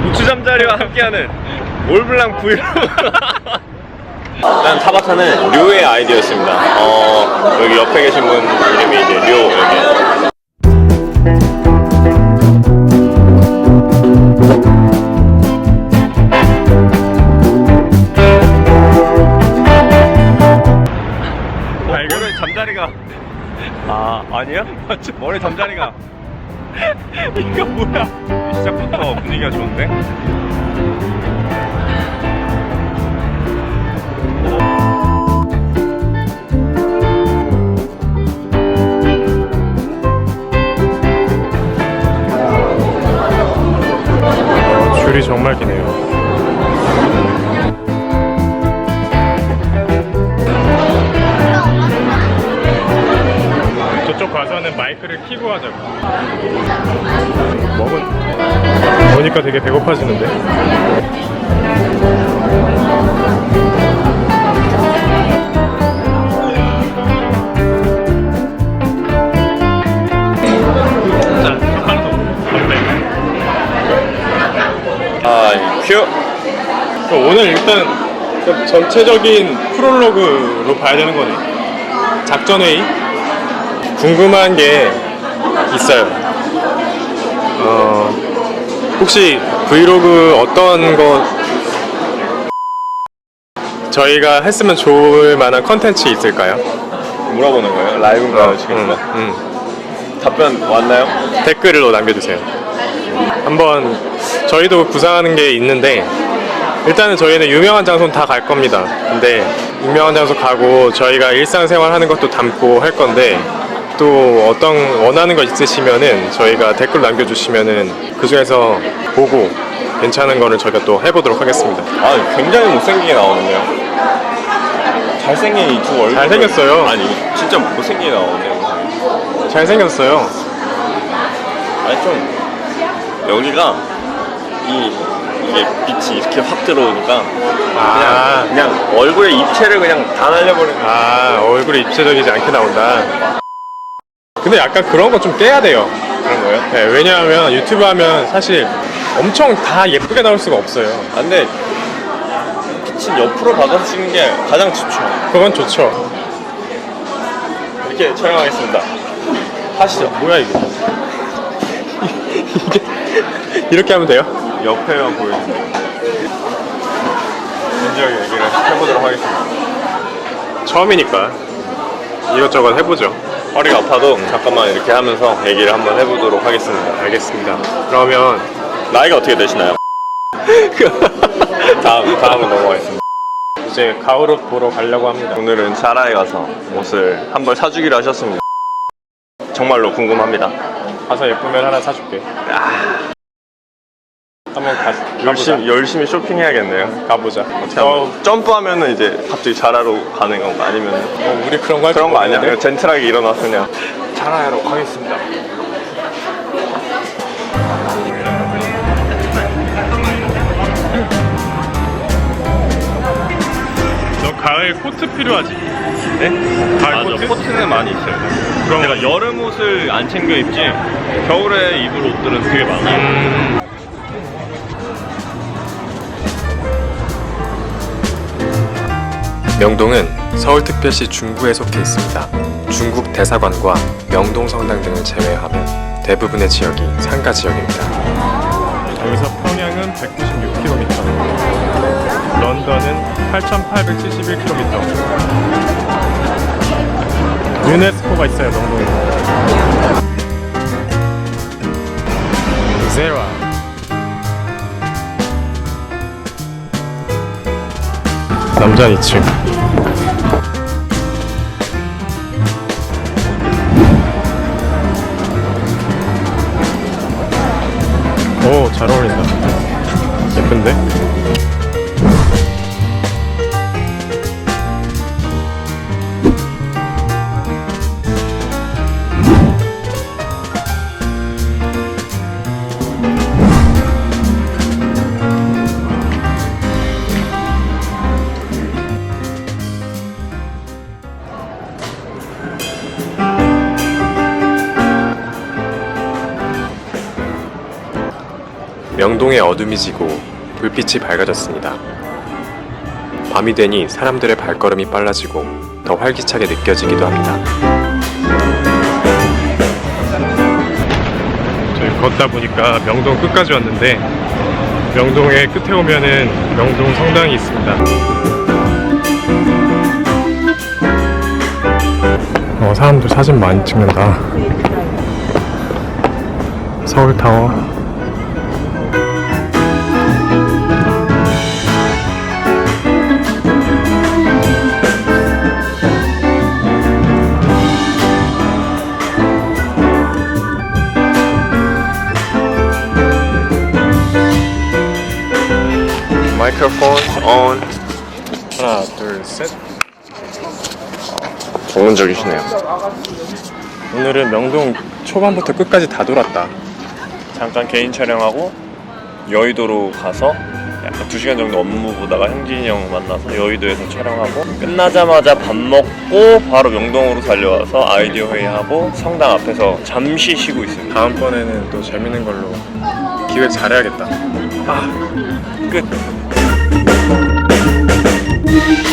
우추 잠자리와 함께하는 올블랑 브이로그. 일단 타바타는 류의 아이디어였습니다. 여기 옆에 계신 분 이름이 이제 류. 여기 머리 잠자리가 아니야? 맞죠? 머리 잠자리가 이거 뭐야? 시작부터 분위기가 좋은데? 줄이 정말 기네요. 저쪽 가서는 마이크를 켜고 하자고. 먹으니까 되게 배고파지는데. 큐! 오늘 일단 전체적인 프롤로그로 봐야 되는 거네. 작전회의? 궁금한 게 있어요. 혹시 브이로그 어떤 거 저희가 했으면 좋을 만한 컨텐츠 있을까요? 물어보는 거예요? 라이브인가요? 지금? 답변 왔나요? 댓글로 남겨주세요. 한번 저희도 구상하는 게 있는데, 일단은 저희는 유명한 장소는 다 갈 겁니다. 근데 유명한 장소 가고 저희가 일상생활 하는 것도 담고 할 건데, 또 어떤 원하는 거 있으시면은 저희가 댓글 남겨주시면은 그 중에서 보고 괜찮은 거를 저희가 또 해보도록 하겠습니다. 굉장히 못생기게 나오는데요. 잘생긴 이 두 얼굴. 잘생겼어요. 아니, 진짜 못생기게 나오네요. 잘생겼어요. 아니, 좀 여기가 이게 빛이 이렇게 확 들어오니까 그냥 얼굴에 입체를 그냥 다 날려버리는. 얼굴이 입체적이지 않게 나온다. 근데 약간 그런 거 좀 깨야 돼요. 그런 거예요? 네, 왜냐하면 유튜브 하면 사실 엄청 다 예쁘게 나올 수가 없어요. 근데 빛은 옆으로 받아서 찍는 게 가장 좋죠. 그건 좋죠. 이렇게 촬영하겠습니다. 하시죠. 뭐야 이게? 이게 이렇게 하면 돼요? 옆에만 보여주세요. 진지하게 얘기를 해보도록 하겠습니다. 처음이니까 이것저것 해보죠. 허리가 아파도 잠깐만 이렇게 하면서 얘기를 한번 해보도록 하겠습니다. 알겠습니다. 그러면 나이가 어떻게 되시나요? 다음은 넘어가겠습니다. 이제 가을옷 보러 가려고 합니다. 오늘은 자라에 가서 옷을 한 벌 사주기로 하셨습니다. 정말로 궁금합니다. 가서 예쁘면 하나 사줄게. 한번 열심히 쇼핑해야겠네요. 가보자. 어떻게 하면 점프하면은 이제 갑자기 자라로 가는 건가? 아니면 우리 그런 거 할 그런 거 아니야? 없는데? 그냥 젠틀하게 일어나서 그냥 자라로 가겠습니다. 너 가을 코트 필요하지? 네? 가을 코트? 코트는 많이 있어요. 그럼 내가 여름 옷을 안 챙겨 입지 겨울에 입을 옷들은 되게 많아요. 명동은 서울특별시 중구에 속해 있습니다. 중국 대사관과 명동 성당 등을 제외하면 대부분의 지역이 상가 지역입니다. 여기서 평양은 196km, 런던은 8,871km. 유네스코가 있어요, 명동에. 제라. 남자 2층. 오, 잘 어울린다. 예쁜데? 명동의 어둠이 지고 불빛이 밝아졌습니다. 밤이 되니 사람들의 발걸음이 빨라지고 더 활기차게 느껴지기도 합니다. 저희 걷다 보니까 명동 끝까지 왔는데 명동의 끝에 오면은 명동 성당이 있습니다. 사람들 사진 많이 찍는다. 서울타워. 마이크로폰 on. 하나, 둘, 셋. 전문적이시네요. 오늘은 명동 초반부터 끝까지 다 돌았다. 잠깐 개인 촬영하고 여의도로 가서 약간 2시간 정도 업무 보다가 형진이 형 만나서 여의도에서 촬영하고 끝나자마자 밥 먹고 바로 명동으로 달려와서 아이디어 회의하고 성당 앞에서 잠시 쉬고 있습니다. 다음번에는 또 재밌는 걸로 기획 잘해야겠다. 끝.